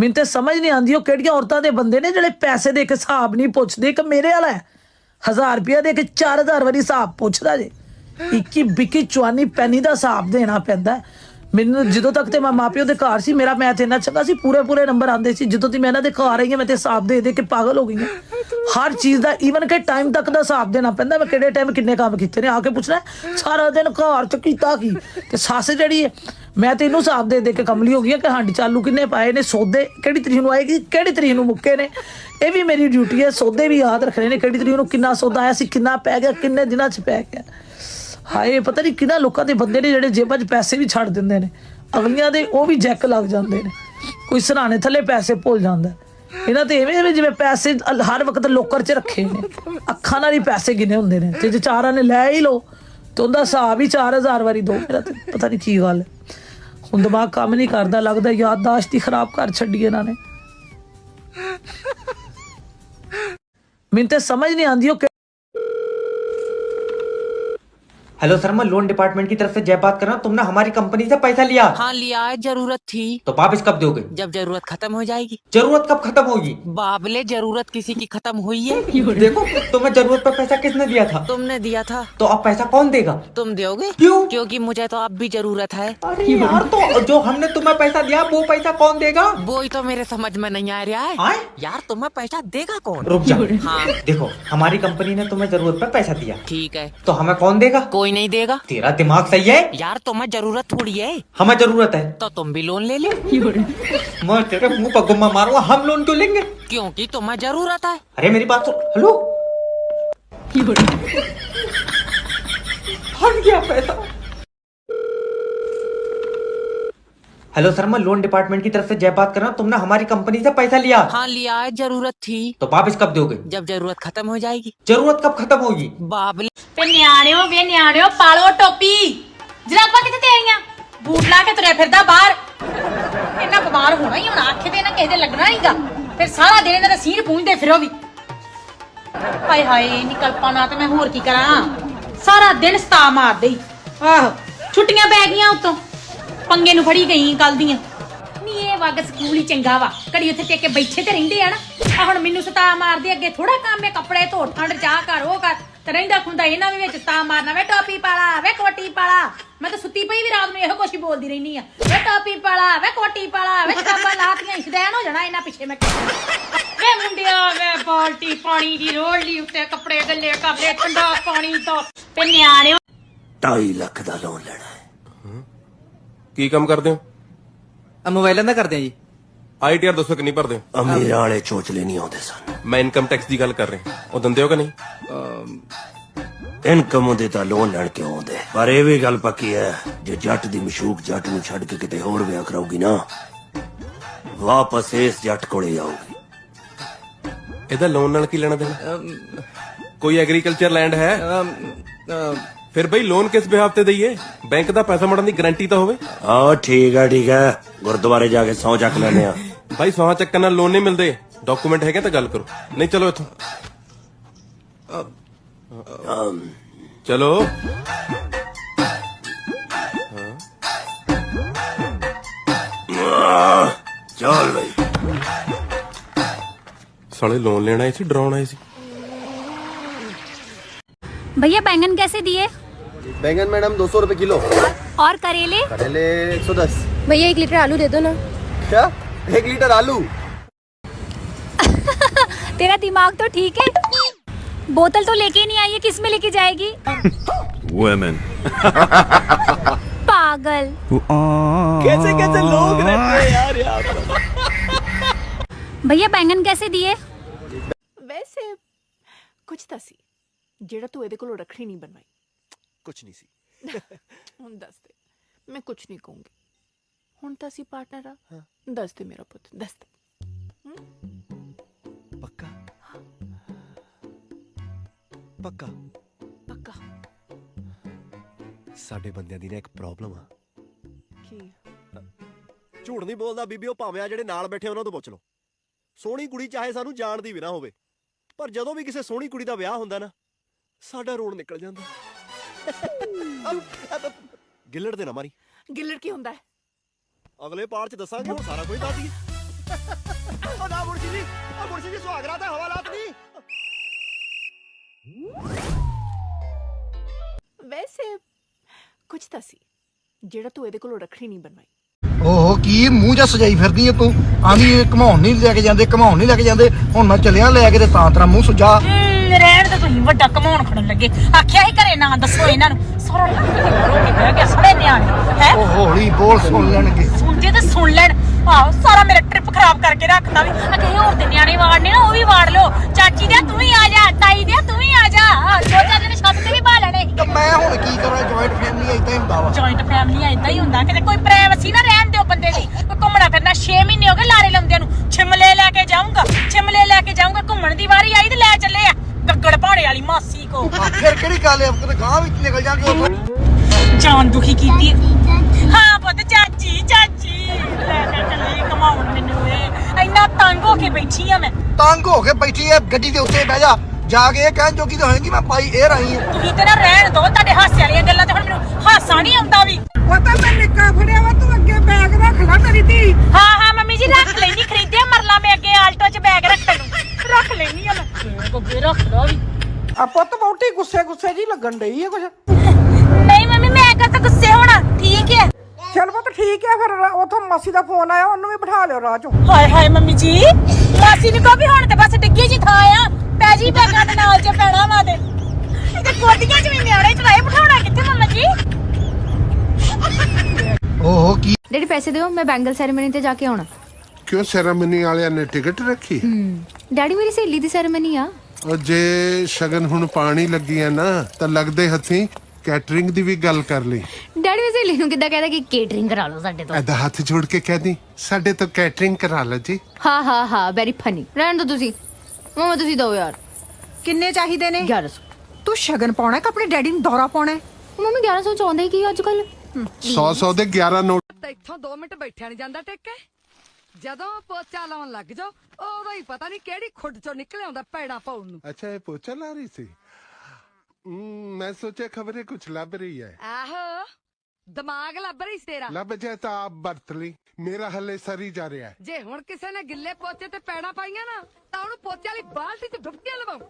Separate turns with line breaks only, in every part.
ਮੈਨੂੰ ਤੇ ਸਮਝ ਨਹੀਂ ਆਉਂਦੀ ਉਹ ਕਿਹੜੀਆਂ ਔਰਤਾਂ ਦੇ ਬੰਦੇ ਨੇ ਜਿਹੜੇ ਪੈਸੇ ਦੇ ਕੇ ਹਿਸਾਬ ਨਹੀਂ ਪੁੱਛਦੇ। ਇੱਕ ਮੇਰੇ ਵਾਲਾ 1000 ਰੁਪਇਆ ਦੇ ਕੇ 4000 ਵਾਰੀ ਹਿਸਾਬ ਪੁੱਛਦਾ ਜੇ। ਇੱਕੀ ਬਿੱਕੀ ਚਵਾਨੀ ਪੈਨੀ ਦਾ ਹਿਸਾਬ ਦੇਣਾ ਪੈਂਦਾ ਮੈਨੂੰ। ਜਦੋਂ ਤੱਕ ਤੇ ਮੈਂ ਮਾਪਿਓ ਦੇ ਘਰ ਸੀ ਮੇਰਾ ਮੈਥ ਇੰਨਾ ਚੰਗਾ ਸੀ, ਪੂਰੇ ਨੰਬਰ ਆਉਂਦੇ ਸੀ। ਜਦੋਂ ਦੀ ਮੈਂ ਇਹਨਾਂ ਦੇ ਘਰ ਆਈ ਹਾਂ ਮੈਂ ਤੇ ਹਿਸਾਬ ਦੇ ਕੇ ਪਾਗਲ ਹੋ ਗਈ ਹਾਂ। ਹਰ ਚੀਜ਼ ਦਾ ਈਵਨ ਕਿ ਟਾਈਮ ਤੱਕ ਦਾ ਹਿਸਾਬ ਦੇਣਾ ਪੈਂਦਾ। ਮੈਂ ਕਿਹੜੇ ਟਾਈਮ ਕਿੰਨੇ ਕੰਮ ਕੀਤੇ ਨੇ ਆ ਕੇ ਪੁੱਛਣਾ ਸਾਰਾ ਦਿਨ ਘਰ ਚ ਕੀਤਾ ਕੀ। ਤੇ ਸੱਸ ਜਿਹੜੀ ਹੈ ਮੈਂ ਤੇ ਇਹਨੂੰ ਹਿਸਾਬ ਦੇ ਕੇ ਕਮਲੀ ਹੋ ਗਈ ਕਿ ਹਾਂਡੀ ਚਾਲੂ ਕਿੰਨੇ ਪਾਏ ਨੇ, ਸੌਦੇ ਕਿਹੜੀ ਤਰੀਕ ਨੂੰ ਆਏਗੀ, ਕਿਹੜੀ ਤਰੀਕ ਨੂੰ ਮੁੱਕੇ ਨੇ। ਇਹ ਵੀ ਮੇਰੀ ਡਿਊਟੀ ਹੈ, ਸੌਦੇ ਵੀ ਯਾਦ ਰੱਖਣੇ ਨੇ, ਕਿਹੜੀ ਤਰੀਕ ਨੂੰ ਕਿੰਨਾ ਸੌਦਾ ਆਇਆ ਸੀ, ਕਿੰਨਾ ਪੈ ਗਿਆ, ਕਿੰਨੇ ਦਿਨਾਂ 'ਚ ਪੈ ਗਿਆ। ਹਾਏ ਪਤਾ ਨਹੀਂ ਕਿਹਨਾਂ ਲੋਕਾਂ ਦੇ ਬੰਦੇ ਨੇ ਜਿਹੜੇ ਜੇਬਾਂ 'ਚ ਪੈਸੇ ਵੀ ਛੱਡ ਦਿੰਦੇ ਨੇ, ਅਗਲੀਆਂ ਦੇ ਉਹ ਵੀ ਜੈਕ ਲੱਗ ਜਾਂਦੇ ਨੇ। ਕੋਈ ਸਰਾਣੇ ਥੱਲੇ ਪੈਸੇ ਭੁੱਲ ਜਾਂਦਾ। ਇਹਨਾਂ ਤੇ ਐਵੇਂ ਜਿਵੇਂ ਪੈਸੇ ਹਰ ਵਕਤ ਲੋਕਰ 'ਚ ਰੱਖੇ ਨੇ, ਅੱਖਾਂ ਨਾਲ ਹੀ ਪੈਸੇ ਗਿਣੇ ਹੁੰਦੇ ਨੇ। ਤੇ ਜੇ ਚਾਰਾਂ ਨੇ ਲੈ ਹੀ ਲਓ ਤੇ ਉਹਦਾ ਹਿਸਾਬ ਹੀ 4000 ਵਾਰੀ ਦੋ। ਮੇਰਾ ਤੇ ਪਤਾ ਨਹੀਂ ਕੀ ਗੱਲ ਹੈ, ਹੁਣ ਦਿਮਾਗ ਕੰਮ ਨਹੀਂ ਕਰਦਾ। ਲੱਗਦਾ ਯਾਦਦਾਸ਼ਤ ਹੀ ਖਰਾਬ ਕਰ ਛੱਡੀ ਇਹਨਾਂ ਨੇ। ਮੈਨੂੰ ਤੇ ਸਮਝ ਨਹੀਂ ਆਉਂਦੀ ਉਹ।
हेलो सर, मैं लोन डिपार्टमेंट की तरफ से जय बात कर रहा हूँ। तुमने हमारी कंपनी से पैसा लिया?
हाँ लिया है, जरूरत थी।
तो वापस कब दोगे?
जब जरूरत खत्म हो जाएगी।
जरूरत कब खत्म होगी?
बाबले जरूरत किसी की खत्म हुई है।
देखो तुम्हें जरूरत पर पैसा किसने दिया था?
तुमने दिया था।
तो अब पैसा कौन देगा?
तुम दोगे?
क्यों?
क्योंकि मुझे तो अब भी जरूरत है।
अरे यार, तो जो हमने तुम्हें पैसा दिया वो पैसा कौन देगा?
वो ही तो मेरे समझ में नहीं आ रहा है।
आए?
यार तुम्हें पैसा देगा कौन?
रुक जा।
हाँ
देखो हमारी कंपनी ने तुम्हें जरूरत पर पैसा दिया,
ठीक है,
तो हमें कौन देगा?
कोई नहीं देगा।
तेरा दिमाग सही है?
यार तुम्हें जरूरत थोड़ी है,
हमें जरूरत है
तो तुम भी लोन ले लो।
मैं तेरे मुंह पर गुम्मा मारूंगा। हम लोन क्यों लेंगे?
क्योंकि तुम्हें जरूरत है।
अरे मेरी बात सुन। हेलो, हट गया पैसा। हेलो सर, मैं लोन डिपार्टमेंट की तरफ से जय बात कर रहा हूँ। तुमने हमारी कंपनी से पैसा लिया?
हाँ लिया है, जरूरत थी।
तो वापस कब दोगे?
जब जरूरत खत्म हो जाएगी।
जरूरत कब खत्म होगी?
बाबले
ਤੇ ਨਿਆਣਿਓ ਵੇ ਨਿਆਣਿਓ ਪਾਲੋ ਟੋਪੀ, ਜਰਾਬਾਂ ਕਿੱਥੇ ਤੇਰੀਆਂ, ਬੂਟ ਲਾ ਕੇ ਤੁਰਿਆ ਫਿਰਦਾ ਬਾਹਰ। ਇਹਨਾਂ ਬਿਮਾਰ ਹੋਣਾ ਹੀ ਹੁਣ, ਆਖੇ ਤੇ ਇਹਨਾਂ ਕਿਸੇ ਦੇ ਲੱਗਣਾ ਨਹੀਂਗਾ। ਫਿਰ ਸਾਰਾ ਦਿਨ ਇਹਨਾਂ ਦਾ ਸੀਰ ਪੂੰਝਦੇ ਫਿਰੋ ਵੀ। ਹਾਏ ਹਾਏ ਨਿਕਲਪਾ ਨਾ ਤੇ ਮੈਂ ਹੋਰ ਕੀ ਕਰਾਂ, ਸਾਰਾ ਦਿਨ ਸਤਾ ਮਾਰਦੇ ਹੀ। ਆਹੋ ਛੁੱਟੀਆਂ ਪੈ ਗਈਆਂ ਉਤੋਂ, ਪੰਗੇ ਨੂੰ ਫੜੀ ਗਈ ਕੱਲ ਦੀਆਂ। ਨੀ ਇਹ ਵਗ ਸਕੂਲ ਹੀ ਚੰਗਾ ਵਾ, ਘੜੀ ਉੱਥੇ ਟੇਕੇ ਬੈਠੇ ਤੇ ਰਹਿੰਦੇ ਆ ਨਾ। ਆ ਹੁਣ ਮੈਨੂੰ ਸਤਾ ਮਾਰਦੇ, ਅੱਗੇ ਥੋੜਾ ਕੰਮ ਹੈ ਕੱਪੜੇ ਧੋ, ਠੰਡ ਚਾਹ ਕਰ, ਉਹ ਕਰ, ਤੇ ਰਹਿੰਦਾ ਖੁੰਦਾ ਇਹਨਾਂ ਵੀ ਵਿੱਚ ਸਤਾ ਮਾਰਨਾ। ਵੇ ਟੋਪੀ ਪਾਲਾ, ਵੇ ਕੋਟੀ ਪਾਲਾ। ਮੈਂ ਤਾਂ ਸੁੱਤੀ ਪਈ ਵੀ ਰਾਤ ਨੂੰ ਇਹੋ ਕੁਛ ਹੀ ਬੋਲਦੀ ਰਹਿੰਦੀ ਆ। ਵੇ ਟੋਪੀ ਪਾਲਾ, ਵੇ ਕੋਟੀ ਪਾਲਾ, ਵੇ ਕਿਤਾਬਾਂ ਲਾਤੀਆਂ, ਇਸ਼ਦੈਨ ਹੋ ਜਾਣਾ ਇਹਨਾਂ ਪਿੱਛੇ ਮੈਂ। ਵੇ ਮੁੰਡਿਆ ਵੇ ਬਾਲਟੀ ਪਾਣੀ ਦੀ ਰੋੜ ਲਈ ਉੱਤੇ, ਕੱਪੜੇ ਗੱਲੇ ਕਰ ਲੈ, ਠੰਡਾ ਪਾਣੀ ਤੋਂ। ਤੇ ਨਿਆਣਿਓ
2.5 ਲੱਖ ਦਾ ਲੋਨ ਲੈਣਾ ਹੈ।
ਕੀ ਕੰਮ ਕਰਦੇ ਹੋ?
ਮੋਬਾਈਲਾਂ ਦਾ ਕਰਦੇ ਆ ਜੀ।
ਆਈਟੀਆਰ ਦੱਸੋ ਕਿੰਨੀ ਭਰਦੇ ਹੋ?
ਅਮੀਰਾਂ ਵਾਲੇ ਚੋਚਲੇ ਨਹੀਂ ਆਉਂਦੇ ਸਨ।
ਮੈਂ ਇਨਕਮ ਟੈਕਸ ਦੀ ਗੱਲ ਕਰ ਰਿਹਾ, ਉਹ ਦਿੰਦੇ ਹੋ ਕਿ ਨਹੀਂ?
ਇਨਕਮ ਹੁੰਦੇ ਤਾਂ ਲੋਨ ਲੈਣ ਕਿਉਂ ਆਉਂਦੇ। ਪਰ ਇਹ ਵੀ ਗੱਲ ਪੱਕੀ ਹੈ, ਜੇ ਜੱਟ ਦੀ ਮਸ਼ੂਕ ਜੱਟ ਨੂੰ ਛੱਡ ਕੇ ਕਿਤੇ ਹੋਰ ਵਿਆਹ ਕਰਾਉਗੀ ਨਾ, ਵਾਪਸ ਇਸ ਜੱਟ ਕੋਲੇ ਆਊਗੀ।
ਇਹਦਾ ਲੋਨ ਨਾਲ ਕੀ ਲੈਣਾ ਦੇਣਾ? ਕੋਈ ਐਗਰੀਕਲਚਰ ਲੈਂਡ ਹੈ? ਫਿਰ ਬਈ ਲੋਨ ਕਿਸ ਬਿਹਾਫ ਤੇ ਦਈਏ? ਬੈਂਕ ਦਾ ਪੈਸਾ ਮੋੜਨ ਦੀ ਗਾਰੰਟੀ ਤਾਂ ਹੋਵੇ।
ਆਹ ਠੀਕ ਹੈ, ਗੁਰਦੁਆਰੇ ਜਾ ਕੇ ਸਹੁੰ ਚੱਕ ਲੈਣੇ ਆ।
ਭਾਈ ਸੌਹਾਂ ਚੱਕਣ ਨਾਲ ਲੋਨ ਨਹੀਂ ਮਿਲਦੇ, ਡਾਕੂਮੈਂਟ ਹੈਗੇ ਤਾਂ ਗੱਲ ਕਰੋ, ਨਹੀਂ ਚਲੋ ਇੱਥੋਂ ਚਲੋ।
ਚੱਲ ਬਈ।
ਸਾਲੇ ਲੋਨ ਲੈਣ ਆਏ ਸੀ, ਡਰਾਉਣ ਆਏ ਸੀ।
भैया बैंगन कैसे दिए?
बैंगन मैडम 200 रुपए किलो।
और करेले?
करेले 110।
भैया 1 लीटर आलू दे दो ना।
क्या 1 लीटर आलू?
तेरा दिमाग तो ठीक है, बोतल तो लेके नहीं आई है, किस में लेके जाएगी?
Women।
पागल।
कैसे कैसे लोग रहते हैं यार यहाँ पर।
भैया बैंगन कैसे दिए?
वैसे कुछ ਤਾਂ ਸੀ ਜਿਹੜਾ ਤੂੰ ਇਹਦੇ ਕੋਲੋਂ ਰੱਖੜੀ ਨਹੀਂ ਬਣਵਾਈ।
कुछ नहीं सी।
ਹੁਣ ਦੱਸ ਦੇ, ਮੈਂ ਕੁਝ ਨਹੀਂ ਕਹੂੰਗੀ। ਹੁਣ ਤਾਂ ਅਸੀਂ ਪਾਰਟਨਰ ਆ। ਦੱਸ ਦੇ ਮੇਰਾ ਪੁੱਤ, ਦੱਸ ਦੇ।
पक्का पक्का
ਪੱਕਾ।
ਸਾਡੇ ਬੰਦਿਆਂ ਦੀ ਨਾ ਇੱਕ ਪ੍ਰੋਬਲਮ ਆ।
ਕੀ?
ਝੂਠ ਨਹੀਂ ਬੋਲਦਾ ਬੀਬੀ, ਉਹ ਭਾਵੇਂ ਆ ਜਿਹੜੇ ਨਾਲ ਬੈਠੇ ਉਹਨਾਂ ਤੋਂ ਪੁੱਛ ਲਓ। ਸੋਹਣੀ ਕੁੜੀ ਚਾਹੇ ਸਾਨੂੰ ਜਾਣਦੀ ਵੀ ਨਾ ਹੋਵੇ, ਪਰ ਜਦੋਂ ਵੀ ਕਿਸੇ ਸੋਹਣੀ ਕੁੜੀ ਦਾ ਵਿਆਹ ਹੁੰਦਾ ਨਾ, ਸਾਡਾ ਰੋਣ ਨਿਕਲ ਜਾਂਦਾ। ਗਿੱਲੜ ਦੇ ਨਾ ਮਾਰੀ।
ਗਿੱਲੜ ਕੀ ਹੁੰਦਾ ਹੈ?
ਅਗਲੇ ਪਾਰ ਚ ਦੱਸਾਂਗੇ, ਹੁਣ ਸਾਰਾ ਕੁਝ ਦੱਸ ਦਈਏ। ਉਹ ਨਾ ਮੁਰਸ਼ੀ ਜੀ, ਉਹ ਮੁਰਸ਼ੀ ਜੀ ਸੁਹਾਗਰਾਤ ਹੈ, ਹਵਾਲਾਤ ਨਹੀਂ।
ਵੈਸੇ ਕੁਝ ਤਾਂ ਸੀ ਜਿਹੜਾ ਤੂੰ ਇਹਦੇ ਕੋਲੋਂ ਰੱਖੜੀ ਨਹੀਂ ਬਣਵਾਈ।
ਓਹੋ ਕੀ ਮੂੰਹ ਜਾ ਸਜਾਈ ਫਿਰਦੀ ਐ ਤੂੰ? ਆਂਦੀ ਘਮਾਉਣ ਨਹੀਂ ਲੈ ਕੇ ਜਾਂਦੇ, ਘਮਾਉਣ ਨਹੀਂ ਲੈ ਕੇ ਜਾਂਦੇ। ਹੁਣ ਮੈਂ ਚੱਲਿਆ ਲੈ ਕੇ ਤੇ ਤਾਂ ਤੇਰਾ ਮੂੰਹ ਸੁਜਾ।
ਰਹਿਣ ਤੇ ਤੁਸੀਂ ਵੱਡਾ ਕਮਾਉਣ ਖੜਨ ਲੱਗੇ। ਆਖਿਆ ਹੀ ਘਰੇ ਨਾ ਦੱਸੋ ਇਹਨਾਂ ਨੂੰ। ਸਾਰਾ ਰੋਟੀ ਬਹਿ ਗਿਆ ਸੜੇ ਨਿਆਣੇ ਹੈ।
ਉਹ ਹੌਲੀ ਬੋਲ, ਸੁਣ ਲੈਣਗੇ।
ਸੁਣਦੇ ਤੇ ਸੁਣ ਲੈਣ। ਆਹੋ ਸਾਰਾ ਮੇਰਾ ਟ੍ਰਿਪ ਖਰਾਬ ਕਰਕੇ ਰੱਖਦਾ ਵੀ। ਆ ਕਹੇ ਹੋਰ ਤੇ ਨਿਆਣੇ ਵਾੜਨੇ ਨਾ, ਉਹ ਵੀ ਵਾੜ ਲਓ। ਚਾਚੀ ਦੇ ਤੂੰ ਵੀ ਆ ਜਾ, ਤਾਈ ਦੇ ਤੂੰ ਵੀ ਆ ਜਾ। ਦੋ ਚਾਰ ਦਿਨ ਛੱਤ ਤੇ ਵੀ ਬਾ ਲੈਣੇ।
ਤੇ ਮੈਂ ਹੁਣ ਕੀ ਕਰਾਂ? ਜੁਆਇੰਟ ਫੈਮਿਲੀ ਏਦਾਂ ਹੀ ਹੁੰਦਾ ਵਾ।
ਜੁਆਇੰਟ ਫੈਮਿਲੀ ਏਦਾਂ ਹੀ ਹੁੰਦਾ। ਕਿਤੇ ਕੋਈ ਪ੍ਰਾਈਵੇਸੀ ਨਾ ਰਹਿਣ ਦਿਓ ਬੰਦੇ ਦੀ। ਕੋਈ ਘੁੰਮਣਾ ਫਿਰਨਾ 6 ਮਹੀਨੇ ਹੋ ਗਏ ਲਾਰੇ ਲਾਉਂਦਿਆਂ ਨੂੰ। ਸ਼ਿਮਲੇ ਲੈ ਕੇ ਜਾਊਂਗਾ, ਸ਼ਿਮਲੇ ਲੈ ਕੇ ਜਾਊਂਗਾ। ਘੁੰਮਣ ਦੀ ਵਾਰੀ ਆਈ ਤੇ ਲੈ ਚੱਲੇ ਆ ਗੱਗੜ ਭਾੜੇ ਵਾਲੀ ਮਾਸੀ ਕੋ।
ਫਿਰ ਕਿਹੜੀ ਗੱਲ ਐ? ਕਿਤੇ ਗਾਂ ਵਿੱਚ ਨਿਕਲ ਜਾਗੇ ਉੱਥੋਂ।
ਜਾਨ ਦੁਖੀ ਕੀਤੀ। ਹਾਂ ਪੁੱਤ, ਚਾਚੀ ਚਾਚੀ ਲੈ ਕੇ ਚੱਲੇ ਘਮਾਉਣ ਮੈਨੂੰ। ਇਹ ਇੰਨਾ ਤੰਗ ਹੋ ਕੇ ਬੈਠੀ ਆ ਮੈਂ।
ਤੰਗ ਹੋ ਕੇ ਬੈਠੀ ਐ ਗੱਡੀ ਦੇ ਉੱਤੇ ਬਹਿ ਜਾ। ਜਾ ਕੇ ਇਹ ਕਹਿਣ ਜੋਗੀ ਤਾਂ ਹੋਏਗੀ ਮੈਂ ਪਾਈ ਏਅਰ ਆਈ ਆ।
ਤੁਸੀਂ ਤੇ ਨਾ ਰਹਿਣ ਦੋ ਤੁਹਾਡੇ ਹਾਸੇ ਵਾਲੀਆਂ ਗੱਲਾਂ ਤੇ। ਹੁਣ ਮੈਨੂੰ ਹਾਸਾ ਨਹੀਂ ਆਉਂਦਾ ਵੀ।
ਉਹ ਤਾਂ ਮੈਂ ਨਿੱਕਾ ਫੜਿਆ ਵਾ, ਤੂੰ ਅੱਗੇ ਬੈਗ ਰੱਖ ਲੈ ਮੇਰੀ ਧੀ।
ਹਾਂ ਹਾਂ ਮੰਮੀ ਜੀ ਰੱਖ ਲੈਣੀ। ਖਰੀਦਿਆ ਮਰਲਾ ਮੈਂ ਅੱਗੇ ਆਲਟੋ 'ਚ ਬੈਗ ਰੱਖਣ ਨੂੰ। ਰੱਖ ਲੈਣੀ ਆ ਮੈਂ। ਅੱਗੇ ਰੱਖ ਲਾ ਵੀ।
ਆ ਪੁੱਤ ਬਹੁਤੀ ਗੁੱਸੇ ਜੀ ਲੱਗਣ ਡਈ ਆ ਕੁਛ।
ਨਹੀਂ ਮੰਮੀ ਮੈਂ ਕਦ ਤੱਕ ਗੁੱਸੇ ਹੋਣਾ। ਠੀਕ ਹੈ
ਚਲ ਪੁੱਤ ਠੀਕ ਹੈ। ਫਿਰ ਉਥੋਂ ਮਾਸੀ ਦਾ ਫੋਨ ਆਇਆ, ਉਹਨੂੰ ਵੀ ਬਿਠਾ ਲਿਓ ਰਾਹ ਚੋਂ।
ਹਾਏ ਹਾਏ ਮੰਮੀ ਜੀ, ਮਾਸੀ ਨੂੰ ਕਹੋ ਵੀ ਹੁਣ ਤੇ ਬਸ ਡਿੱਗੀ ਜੀ ਥਾਂ ਆ। ਪੈ ਜੀ ਬੈਗਾਂ ਦੇ ਨਾਲ 'ਚ ਪੈਣਾ ਵਾ ਤੇ ਇਹਦੇ ਕੋਟੀਆਂ 'ਚ ਵੀ ਨਿਆਣੇ ਚੜਾਏ। ਬਿਠਾਉਣਾ ਕਿੱਥੇ ਮੰਮਾ ਜੀ?
ਓਹੋ ਕੀ
ਡੈਡੀ ਪੈਸੇ ਦਿਓ, ਮੈਂ ਬੈਂਗਲ ਸੈਰੇਮਨੀ ਤੇ ਜਾ ਕੇ ਆਉਣਾ।
ਕਿਉਂ ਸੈਰਾਮਨੀ ਵਾਲਿਆਂ ਨੇ ਟਿਕਟ ਰੱਖੀ?
ਡੈਡੀ ਮੇਰੀ ਸਹੇਲੀ ਦੀ ਸੈਰੇਮਨੀ ਆ।
ਉਹ ਜੇ ਸ਼ਗਨ ਹੁਣ ਪਾਣੀ ਲੱਗੀ ਆ ਨਾ ਤਾਂ ਲੱਗਦੇ ਹੱਥੀਂ ਕੈਟਰਿੰਗ ਦੀ ਵੀ ਗੱਲ ਕਰ ਲਈ।
ਡੈਡੀ ਮੇਰੀ ਸਹੇਲੀ ਨੂੰ ਕਿੱਦਾਂ ਕਹਿੰਦਾ ਕਿ ਕੇਟਰਿੰਗ ਕਰਾ ਲਓ ਸਾਡੇ ਤੋਂ।
ਐਦਾ ਹੱਥ ਜੋੜ ਕੇ ਕਹਿ ਦੀ ਸਾਡੇ ਤੋਂ ਕੈਟਰਿੰਗ ਕਰਾ ਲਓ ਜੀ।
ਹਾਂ ਵੈਰੀ ਫਨੀ। ਰਹਿਣ ਦੋ ਤੁਸੀਂ। ਮਮਾ ਤੁਸੀਂ ਦੋ ਯਾਰ।
ਕਿੰਨੇ ਚਾਹੀਦੇ ਨੇ?
1100।
ਤੂੰ ਸ਼ਗਨ ਪਾਉਣਾ ਕਿ ਆਪਣੇ ਡੈਡੀ ਨੂੰ ਦੌਰਾ ਪਾਉਣਾ?
ਮੰਮੀ 1100 ਚਾਹੁੰਦੇ ਕੀ ਅੱਜ ਕੱਲ?
100 ਦੇ 11 ਨੋਟ।
ਇੱਥੋਂ 2 ਮਿੰਟ ਬੈਠਿਆ ਨਹੀਂ ਜਾਂਦਾ ਟਿੱਕੇ। ਜਦੋਂ ਪੋਚਾ ਲਾਉਣ ਲੱਗ ਜਾਓ ਉਦੋਂ ਹੀ ਪਤਾ ਨਹੀਂ ਕਿਹੜੀ ਖੁੱਡ ਚੋਂ ਨਿਕਲ ਆਉਂਦਾ ਪੈੜਾ ਪਾਉਣ ਨੂੰ।
ਅੱਛਾ ਇਹ ਪੋਚਾ ਲਾ ਰਹੀ ਸੀ। ਮੈਂ ਸੋਚਿਆ ਖਬਰੇ ਕੁਝ ਲੱਭ ਰਹੀ ਹੈ।
ਆਹੋ ਦਿਮਾਗ ਲੱਭ ਰਹੀ ਸੀ ਤੇਰਾ।
ਲੱਭ ਜਾਏ ਤਾਂ ਆਪ ਵਰਤ ਲਈ, ਮੇਰਾ ਹੱਲੇ ਸਰੀ ਜਾ ਰਿਹਾ ਹੈ।
ਜੇ ਹੁਣ ਕਿਸੇ ਨੇ ਗਿੱਲੇ ਪੋਚੇ ਤੇ ਪੈੜਾ ਪਾਈਆਂ ਨਾ ਤਾਂ ਉਹਨੂੰ ਪੋਚੇ ਵਾਲੀ ਬਾਲਟੀ 'ਚ ਡੁੱਬਕੀਆਂ ਲਵਾਉ।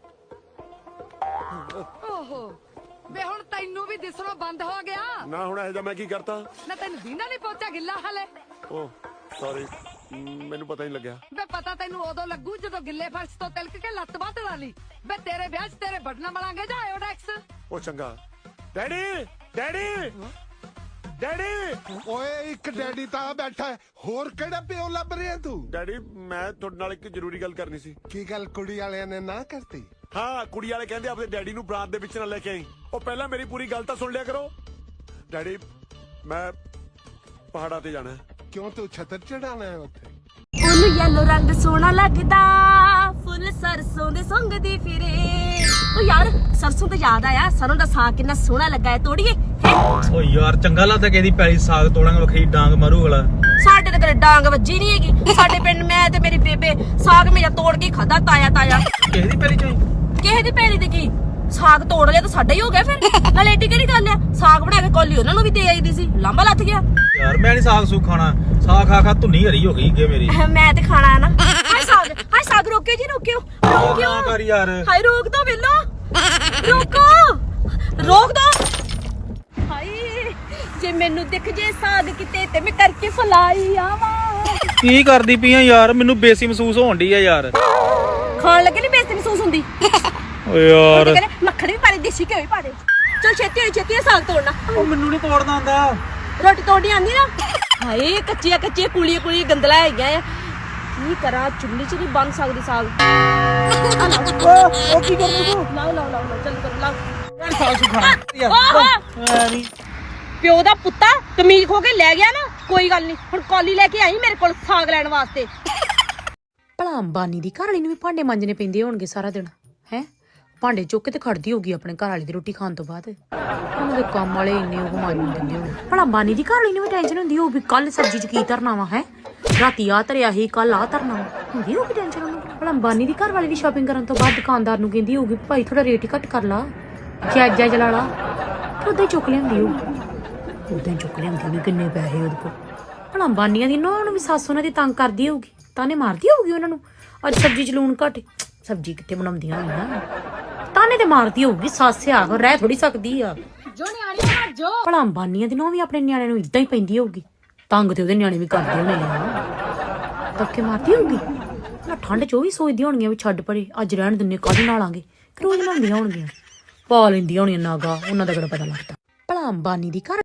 ਓਹੋ ਵੇ ਹੁਣ ਤੈਨੂੰ ਵੀ ਦਿਸਣੋਂ ਬੰਦ ਹੋ ਗਿਆ
ਨਾ ਹੁਣ ਇਹ ਜਾ ਮੈਂ ਕੀ ਕਰਤਾ?
ਨਾ ਤੈਨੂੰ ਦੀਨਾ ਨਹੀਂ ਪੋਚਾ ਗਿੱਲਾ ਹਲੇ।
ਓ ਸੌਰੀ, ਮੈਨੂੰ ਪਤਾ ਨਹੀਂ ਲੱਗਿਆ।
ਵੇ ਪਤਾ ਤੈਨੂੰ ਉਦੋਂ ਲੱਗੂ ਜਦੋਂ ਗਿੱਲੇ ਫਰਸ਼ ਤੋਂ ਤਿਲਕ ਕੇ ਲੱਤ ਬਾਤ ਲਾ ਲਈ। ਵੇ ਤੇਰੇ ਵਿਆਹ 'ਚ ਤੇਰੇ ਬਟਨਾ ਬਣਾਂਗੇ ਜਾਂ ਆਇਓਡੈਕਸ।
ਉਹ ਚੰਗਾ। Daddy daddy daddy.
ਓਏ ਇੱਕ ਡੈਡੀ ਤਾਂ ਬੈਠਾ ਹੈ, ਹੋਰ ਕਿਹੜਾ ਪਿਓ ਲੱਭ ਰਿਹਾ ਤੂੰ?
ਡੈਡੀ ਮੈਂ ਤੁਹਾਡੇ ਨਾਲ ਇੱਕ ਜ਼ਰੂਰੀ ਗੱਲ ਕਰਨੀ ਸੀ।
ਕੀ ਗੱਲ ਕੁੜੀ ਵਾਲਿਆਂ ਨੇ ਨਾ ਕਰਤੀ?
ਹਾਂ ਕੁੜੀ ਵਾਲੇ ਕਹਿੰਦੇ ਆਪਣੇ ਡੈਡੀ ਨੂੰ ਬਰਾਤ ਦੇ ਵਿੱਚ ਨਾ ਲੈ ਕੇ ਆਈ। ਉਹ ਪਹਿਲਾਂ ਮੇਰੀ ਪੂਰੀ ਗੱਲ ਤਾਂ ਸੁਣ ਲਿਆ ਕਰੋ। ਡੈਡੀ ਮੈਂ ਪਹਾੜਾਂ ਤੇ ਜਾਣਾ।
ਕਿਉਂ ਤੂੰ ਛਤਰ ਚੜਾਣਾ ਹੈ ਉੱਥੇ?
ਉਹਨੂੰ ਯੈਲੋ ਰੰਗ ਸੋਹਣਾ ਲੱਗਦਾ, ਫੁੱਲ ਸਰਸੋਂ ਦੇ ਸੰਗਦੀ ਫਿਰੇ। ਉਹ ਯਾਰ ਸਰਸੋਂ ਤੇ ਯਾਦ ਆਇਆ, ਸਰੋਂ ਦਾ ਸਾਗ ਕਿੰਨਾ ਸੋਹਣਾ ਲੱਗਾ ਹੈ, ਤੋੜੀਏ?
ਓ ਯਾਰ ਚੰਗਾ ਲੱਗਦਾ ਕਿ ਇਹਦੀ ਪੈਲੀ ਸਾਗ ਤੋੜਾਂਗੇ, ਵੱਖਰੀ ਡਾਂਗ ਮਾਰੂ ਅਗਲਾ।
ਸਾਡੇ ਤੇ ਕਦੇ ਡਾਂਗ ਵੱਜੀ ਨਹੀਂ ਹੈਗੀ। ਸਾਡੇ ਪਿੰਡ ਮੈਂ ਤੇ ਮੇਰੀ ਬੇਬੇ ਸਾਗ ਮੇਰਾ ਤੋੜ ਕੇ ਖਾਦਾ ਤਾਇਆ।
ਕਿਸੇ ਦੀ ਪੈਲੀ ਚੋਂ?
ਕਿਸੇ ਦੀ ਪੈਲੀ ਤੇ ਕੀ ਸਾਗ ਤੋੜ ਲਿਆ ਤਾਂ ਸਾਡਾ ਹੀ ਹੋ ਗਿਆ ਫਿਰ। ਨਾਲੇ ਏਡੀ ਕਿਹੜੀ ਗੱਲ ਆ, ਸਾਗ ਬਣਾ ਕੇ ਕੋਲੀ ਉਹਨਾਂ ਨੂੰ ਵੀ ਦੇ ਆਈਦੀ ਸੀ, ਲਾਂਬਾ ਲੱਥ ਗਿਆ।
ਯਾਰ ਮੈਂ ਨਹੀਂ ਸਾਗ ਸੂਗ ਖਾਣਾ, ਸਾਗ ਖਾ ਖਾ ਧੁੰਨੀ ਹਰੀ ਹੋ ਗਈ ਅੱਗੇ ਮੇਰੀ।
ਮੈਂ ਤੇ ਖਾਣਾ ਨਾ। ਹਾਏ ਸਾਗ ਰੋਕਿਓ ਜੀ, ਰੋਕਿਓ।
ਨਾ ਕਰ ਯਾਰ।
ਹਾਏ ਰੋਕ ਦੋ ਵੇਲੋ, ਰੋਕੋ, ਰੋਕ ਦੋ। ਹਾਏ ਜੇ ਮੈਨੂੰ ਦਿਖ ਜੇ ਸਾਗ ਕਿਤੇ ਤੇ ਮੈਂ ਕਰਕੇ ਫਲਾਈ ਆਵਾਂ।
ਕੀ ਕਰਦੀ ਪਈ ਆ ਯਾਰ? ਮੈਨੂੰ ਬੇਇੱਜ਼ਤੀ ਮਹਿਸੂਸ ਹੋਣ ਡਈ ਆ ਯਾਰ।
ਖਾਣ ਲੱਗੇ ਨਹੀਂ ਬੇਇੱਜ਼ਤੀ ਮਹਿਸੂਸ ਹੁੰਦੀ?
ਓ ਯਾਰ
ਮੱਖਣ ਵੀ ਪਾ ਦੇ, ਦੇਸੀ ਘਿਓ ਵੀ ਪਾ ਦੇ। ਚਲ ਛੇਤੀ ਸਾਗ ਤੋੜਨਾ।
ਉਹ ਮੈਨੂੰ ਨਹੀਂ ਤੋੜਨਾ ਆਉਂਦਾ।
ਰੋਟੀ ਤੋੜਨੀ ਆਂਦੀ ਨਾ? ਹਾਏ ਕੱਚੀਆਂ ਕੁਲੀਆਂ ਗੰਦਲਾ ਹੈਗੀਆਂ ਆ। ਕੀ ਕਰਾਂ, ਚੁੱਲ੍ਹੇ 'ਚ ਨਹੀਂ ਬਣ ਸਕਦੀ ਸਾਗ।
ਉਹ ਕੀ ਕਰਨੀ ਤੂੰ?
ਲਾਓ ਚੱਲ ਕਰੋ ਲਾਓ।
ਸਾਗ ਸੂਗ ਖਾਣਾ ਨਹੀਂ।
ਪਿਓ ਦਾ ਪੁੱਤਾ ਕਮੀਜ਼ ਖੋ ਕੇ ਲੈ ਗਿਆ ਨਾ, ਕੋਈ ਗੱਲ ਨਹੀਂ। ਹੁਣ ਕੌਲੀ ਲੈ ਕੇ ਆਈ ਮੇਰੇ ਕੋਲ ਸਾਗ ਲੈਣ ਵਾਸਤੇ।
ਭਲਾ ਅੰਬਾਨੀ ਦੀ ਘਰ ਵਾਲੀ ਨੂੰ ਵੀ ਭਾਂਡੇ ਮਾਂਜਣੇ ਪੈਂਦੇ ਹੋਣਗੇ ਸਾਰਾ ਦਿਨ ਹੈ। ਭਾਂਡੇ ਚੁੱਕ ਕੇ ਤੇ ਖੜਦੀ ਹੋਗੀ ਆਪਣੇ ਘਰ ਵਾਲੀ ਦੀ ਰੋਟੀ ਖਾਣ ਤੋਂ ਬਾਅਦ। ਉਹਨਾਂ ਦੇ ਕੰਮ ਵਾਲੇ ਇੰਨੇ ਉਹ ਮਾਂਜਣ ਦਿੰਦੇ ਹੋਣ। ਭਲਾ ਅੰਬਾਨੀ ਦੀ ਘਰ ਵਾਲੀ ਨੂੰ ਵੀ ਟੈਨਸ਼ਨ ਹੁੰਦੀ ਹੋਊ ਵੀ ਕੱਲ ਸਬਜ਼ੀ 'ਚ ਕੀ ਧਰਨਾ ਵਾ ਹੈ, ਰਾਤੀ ਆ ਧਰਿਆ ਸੀ, ਕੱਲ ਆ ਧਰਨਾ ਵਾ, ਹੁੰਦੀ ਹੋਊਗੀ ਟੈਨਸ਼ਨ ਉਹਨੂੰ। ਭਲਾ ਅੰਬਾਨੀ ਦੀ ਘਰ ਵਾਲੀ ਵੀ ਸ਼ਾਪਿੰਗ ਕਰਨ ਤੋਂ ਬਾਅਦ ਦੁਕਾਨਦਾਰ ਨੂੰ ਕਹਿੰਦੀ ਹੋਊਗੀ ਭਾਈ ਥੋੜਾ ਰੇਟ ਹੀ ਘੱਟ ਕਰ ਲਾ, ਜਾਇਜ਼ਾ ਚਲਾ ਲਾ। ਉਦਾਂ ਹੀ ਚੁੱਕ ਲਿਆਂਦੀ ਹੋਊਗੀ, ਉਦਾਂ ਹੀ ਚੁੱਕ ਲਿਆਂਦੀ ਹੋਊਗੀ। ਕਿੰਨੇ ਪੈਸੇ ਉਹਦੇ ਕੋਲ। ਭਲਾ ਅੰਬਾਨੀਆਂ ਦੀ ਨੌਂ ਨੂੰ ਵੀ ਸੱਸ ਉਹਨਾਂ ਦੀ ਤੰਗ ਕਰਦੀ ਹੋਊਗੀ। ਤਾਨੇ ਮਾਰਦੀ ਹੋਊਗੀ ਉਹਨਾਂ ਨੂੰ ਅੱਜ ਸਬਜ਼ੀ 'ਚ ਲੂਣ ਘੱਟ, ਸਬਜ਼ੀ ਕਿੱਥੇ ਬਣਾਉਂਦੀਆਂ ਹੋਈਆਂ, ਤਾਨੇ ਤੇ ਮਾਰਦੀ ਹੋਊਗੀ। ਸੱਸ ਆ ਰਹਿ ਥੋੜੀ ਸਕਦੀ ਆ
ਜੋ ਨਿਆਣੇ ਮਰ ਜੋ
ਭਲਾ ਅੰਬਾਨੀਆਂ ਦੀ ਨੌਂ ਵੀ ਆਪਣੇ ਨਿਆਣੇ ਨੂੰ ਇਦਾਂ ਹੀ ਪੈਂਦੀ ਹੋਊਗੀ, ਤੰਗ ਤੇ ਉਹਦੇ ਨਿਆਣੇ ਵੀ ਕਰਦੇ ਹੋਣੇ ਆ, ਧੱਕੇ ਮਾਰਦੀ ਹੋਊਗੀ ਨਾ। ਠੰਡ 'ਚ ਉਹ ਵੀ ਸੋਚਦੀਆਂ ਹੋਣਗੀਆਂ ਵੀ ਛੱਡ ਪਰੇ ਅੱਜ ਰਹਿਣ ਦਿੰਨੇ, ਕੱਲ੍ਹ ਨਾਲਾਂਗੇ, ਰੋਜ਼ ਨਹਾਉਂਦੀਆਂ ਹੋਣਗੀਆਂ, ਪਾ ਲੈਂਦੀਆਂ ਹੋਣੀਆਂ ਨਾਗਾ, ਉਹਨਾਂ ਦਾ ਕਿਹੜਾ ਪਤਾ ਲੱਗਦਾ। ਭਲਾ ਅੰਬਾਨੀ ਦੀ ਘਰ